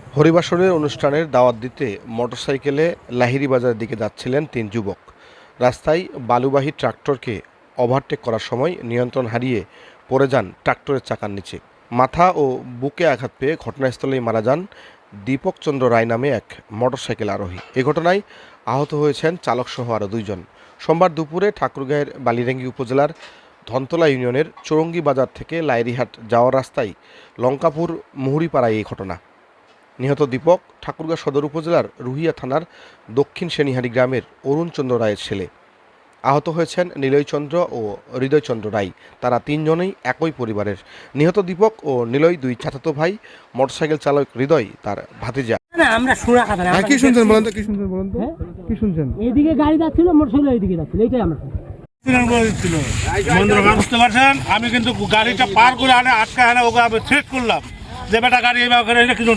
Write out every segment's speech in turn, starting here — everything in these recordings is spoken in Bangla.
হরিবাসরের অনুষ্ঠানের দাওয়াত দিতে মোটরসাইকেলে লাহিড়ী বাজারের দিকে যাচ্ছিলেন তিন যুবক। রাস্তায় বালুবাহী ট্রাক্টরকে ওভারটেক করার সময় নিয়ন্ত্রণ হারিয়ে পড়ে যান ট্রাক্টরের চাকার নিচে। মাথা ও বুকে আঘাত পেয়ে ঘটনাস্থলেই মারা যান দীপক চন্দ্র রায় নামে এক মোটরসাইকেল আরোহী। এ ঘটনায় আহত হয়েছেন চালকসহ আরও দুইজন। সোমবার দুপুরে ঠাকুরগাঁয়ের বালিরেঙ্গি উপজেলার ধনতলা ইউনিয়নের চৌরঙ্গি বাজার থেকে লাইরিহাট যাওয়ার রাস্তায় লঙ্কাপুর মুহুরিপাড়ায় এই ঘটনা। নিহত দীপক ঠাকুরগাঁও সদর উপজেলার রুহিয়া থানার দক্ষিণ সেনিহারি গ্রামের অরুণচন্দ্র রায়ের ছেলে। আহত হয়েছেন নিলয়চন্দ্র ও হৃদয়চন্দ্র রায়। তারা তিনজনেই একই পরিবারের। নিহত দীপক ও নিলয় দুই চাচাতো ভাই। মোটরসাইকেল চালক হৃদয় তার ভাতিজা। আমরা শোনা কথা না। কি শুনছেন বলেন তো, কি শুনছেন বলেন তো, কি শুনছেন? এইদিকে গাড়ি যাচ্ছিল, মোটরসাইকেল এইদিকে যাচ্ছিল, এইটাই আমরা বুঝতে পারছেন। আমি কিন্তু গাড়িটা পার করে আনে আটকা আনে ওকে আমি থ্রেট করলাম যে বেটা গাড়ি এইভাবে করে কিছু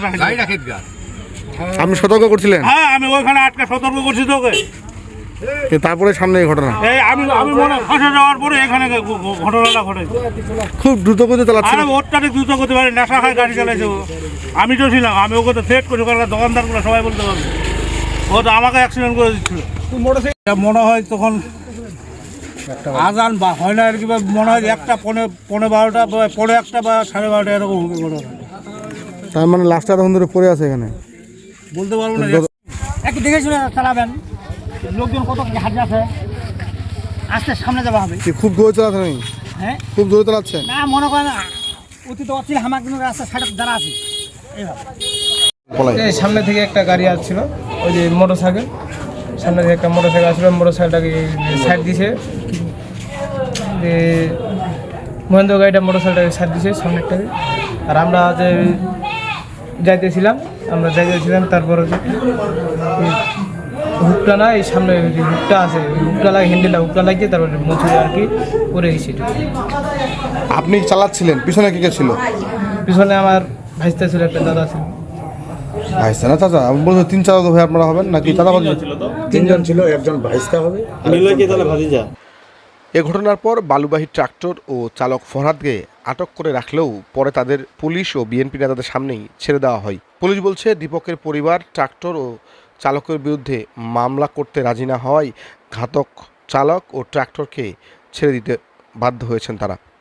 আপনি সতর্ক করছিলেন? হ্যাঁ, আমি ওইখানে আটকা সতর্ক করছি তোকে। তারপরে সামনে এই ঘটনা। এই আমি মনে ফাঁসে যাওয়ার পরে এখানে ঘটনাটা ঘটেছে। খুব দ্রুত গতিতে চালাচ্ছেন? আরে অত্যাধিক দ্রুত করতে পারে, নেশা খায় গাড়ি চালাইছে। আমি তো ছিলাম, আমি ওকে তো থ্রেট করি, কারণ দোকানদারগুলো সবাই বলতে পারবে ও তো আমাকে অ্যাক্সিডেন্ট করে দিচ্ছিল। মনে হয় তখন আজান বা হয় না আর কি, মনে হয় একটা পৌনে 12টা বা পৌনে 1টা বা 12:30 এরকম হবে ঘটনা। তার মানে লাস্টটা তখন ধরে পড়ে আছে এখানে? বলতে পারবো না। একটু দেখে শুনে চালাবেন, লোকজন কত হাঁটে আছে, আস্তে সামনে যাওয়া হবে। খুব জোরে চালাচ্ছেন? হ্যাঁ, খুব জোরে চালাচ্ছেন? না মনে করেন অতীত অচিল হামাক রাস্তা সাইডে যারা আছে এইভাবে। সামনে থেকে একটা গাড়ি আসছিল, ওই যে মোটরসাইকেল, সামনে থেকে একটা মোটরসাইকেল আসছিল, মোটরসাইকেলটাকে সাইড দিছে, যে মহেন্দ্র গাড়িটা মোটরসাইকেলটাকে সাইড দিছে সামনেরটাকে। আর আমরা যে যাইতেছিলাম তারপর হুকটা না, এই সামনে যে হুকটা আছে, হুকটা লাগে, হ্যান্ডেলটা হুকটা লাগিয়ে তারপরে মুছুরে আর কি পরে গেছি। আপনি চালাচ্ছিলেন, পিছনে কে কে ছিল? পিছনে আমার ভাইস্তা ছিল, একটা দাদা ছিল। ভাইস্তা না চাচা? আমি বলছি তিন চাচা ভাই আপনারা হবেন নাকি? চাচা তিনজন ছিল, একজন ভাইস্তা হবে। এ ঘটনার পর বালুবাহী ট্রাক্টর ও চালক ফরহাদকে আটক করে রাখলেও পরে তাদের পুলিশ ও বিএনপি নেতাদের সামনেই ছেড়ে দেওয়া হয়। পুলিশ বলছে, দীপকের পরিবার ট্রাক্টর ও চালকের বিরুদ্ধে মামলা করতে রাজি না হওয়ায় ঘাতক চালক ও ট্রাক্টরকে ছেড়ে দিতে বাধ্য হয়েছেন তারা।